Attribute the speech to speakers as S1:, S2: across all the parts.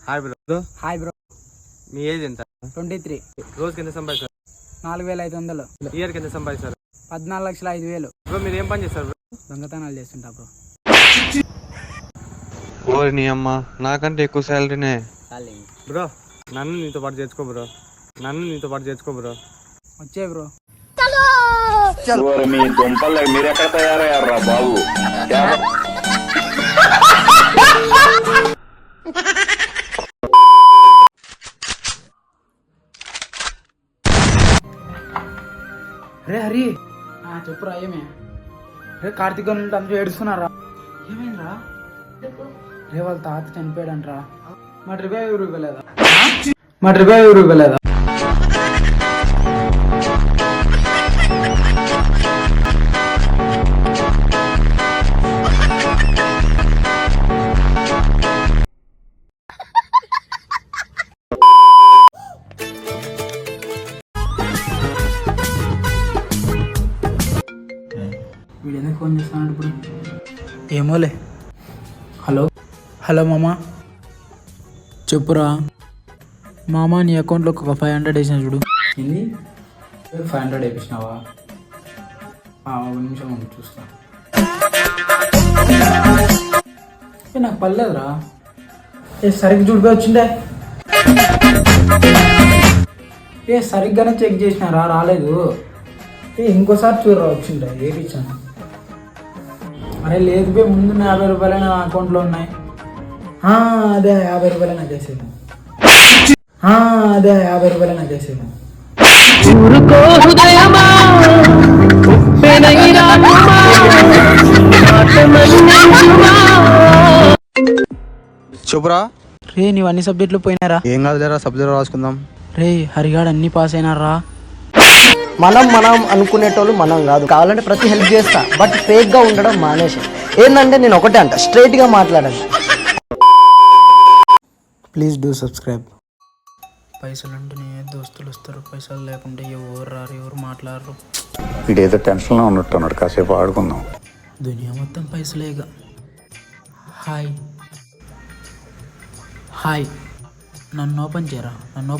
S1: Hi bro.
S2: Hi bro.
S1: మీ age ఎంత?
S2: 23.
S1: రోజుకి ఎంత సంపాదిస్తారు?
S2: 4500.
S1: ఇయర్కి ఎంత సంపాదిస్తారు?
S2: 14,05,000.
S1: బ్రో మీరు ఏం పని చేస్తారు బ్రో?
S2: దొంగతనాలు చేస్తుంటా బ్రో.
S3: ఓరి నీ అమ్మ, నాకంటే ఎక్కువ శాలరీనే.
S1: బ్రో నన్ను నీతో పాటు చేర్చుకో బ్రో.
S2: వచ్చే బ్రో.
S4: మీ దుంపలు మీరు ఎక్కడ తయారయ్యారా బాబు?
S2: రే హరి, చెప్పురా ఏమే? రే కార్తీక్ నుండి అందరూ ఏడుస్తున్నారా? ఏమైందిరా? రే వాళ్ళ తాత చనిపోయాడంట్రా. మా ట్రిప్ ఎవరు ఇవ్వలేదా? వీడు ఎందుకు ఫోన్ చేస్తున్నాడు ఇప్పుడు? ఏమోలే. హలో మామా, చెప్పురా. మామా నీ అకౌంట్లో ఒక 500 వేసిన చూడు. ఏంది 500 వేపించినావా? 1 నిమిషం ఉండి చూస్తా. నాకు పర్లేదురా. సరిగ్గా చూడిపోయి వచ్చిండే. సరిగ్గానే చెక్ చేసినారా, రాలేదు. ఇంకోసారి చూడరా వచ్చిండే, వేపించాను. అరే లేదు బే, ముందు 50 రూపాయలు నా అకౌంట్లో ఉన్నాయి. అదే 50 రూపాయలు నాకు వేసేది.
S3: చెప్పురా.
S2: రే నీవు అన్ని సబ్జెక్టులు పోయినారా?
S3: ఏం కాదు లేరా, సబ్జెక్ట్ రాసుకుందాం.
S2: రే హరిగాడు అన్ని పాస్ అయినారా?
S5: మనం అనుకునేటోళ్ళు మనం కాదు. కావాలంటే ప్రతి హెల్ప్ చేస్తా, బట్ ఫేక్ గా ఉండడం మానేసి. ఏంటంటే నేను ఒకటే అంట, స్ట్రైట్ గా మాట్లాడండి.
S2: Please do subscribe. పైసలు అంటేనే దోస్తులు వస్తారు, పైసలు లేకుంటే ఎవరు రారు, ఎవరు మాట్లాడరు.
S4: వీడేదో టెన్షన్లో ఉన్నట్టున్నాడు, కాసేపు ఆడుకుందాం.
S2: దునియా మొత్తం పైసలేగా. హాయ్, నన్ను ఓపెన్ చేయరా?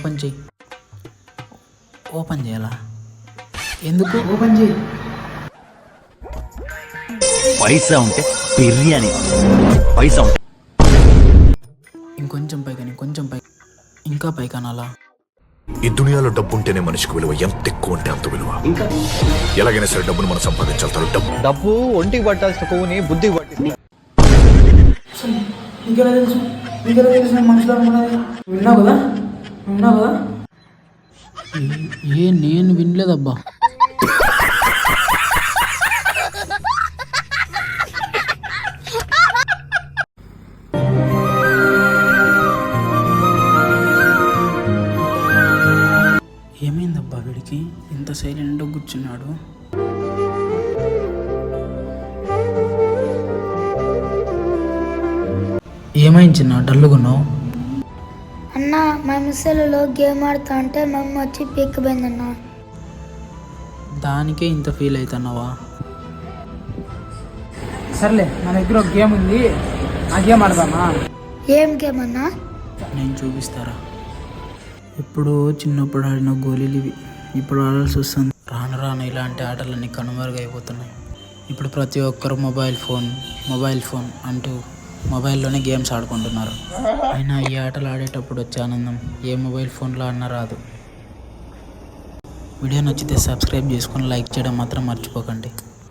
S2: ఓపెన్ చేయాలా? ఎందుకు ఓపెన్ చేయి?
S6: పైసా ఉంటే బిర్యానీ, పైసా ఉంటే
S2: ఇంకొంచెం పైకి, ఇంకా పైకి అనాలా?
S7: ఈ దునియాలో డబ్బు ఉంటేనే మనిషికి విలువ, ఎంత ఎక్కువ ఉంటే అంత విలువ. ఎలాగైనా సరే డబ్బును మనం సంపాదించాలి.
S3: డబ్బు ఒంటికి పట్టాల్సిన కొవ్వుని బుద్ధికి పట్టింది.
S2: ఇంకెలా తెలుసు మనుషులు అనుకున్నది? విన్నావు కదా? నేను వినలేదబ్బా. ఏమైందబ్బా వీడికి ఇంత సైలెంట్గా కూర్చున్నాడు? ఏమైంది చిన్న డల్లుగున్నావు?
S8: అన్న మా మిస్సెల్లో గేమ్ ఆడుతా అంటే మమ్మీ వచ్చి పీక్కపోయిందన్న.
S2: దానికే ఇంత ఫీల్ అవుతున్నావా? సర్లే, నా దగ్గర ఒక గేమ్ ఉంది, ఆ గేమ్ ఆడదామా?
S8: ఏం గేమ్ అన్నా?
S2: నేను చూపిస్తారా. ఇప్పుడు చిన్నప్పుడు ఆడిన గోళీలు ఇవి ఇప్పుడు ఆడాల్సి వస్తుంది. రాను ఇలాంటి ఆటలన్నీ కనుమరుగైపోతున్నాయి. ఇప్పుడు ప్రతి ఒక్కరు మొబైల్ ఫోన్ అంటూ మొబైల్లోనే గేమ్స్ ఆడుకుంటున్నారు. అయినా ఈ ఆటలు ఆడేటప్పుడు వచ్చే ఆనందం ఏ మొబైల్ ఫోన్లో అన్నా రాదు. వీడియో నచ్చితే సబ్స్క్రైబ్ చేసుకొని లైక్ చేయడం మాత్రం మర్చిపోకండి.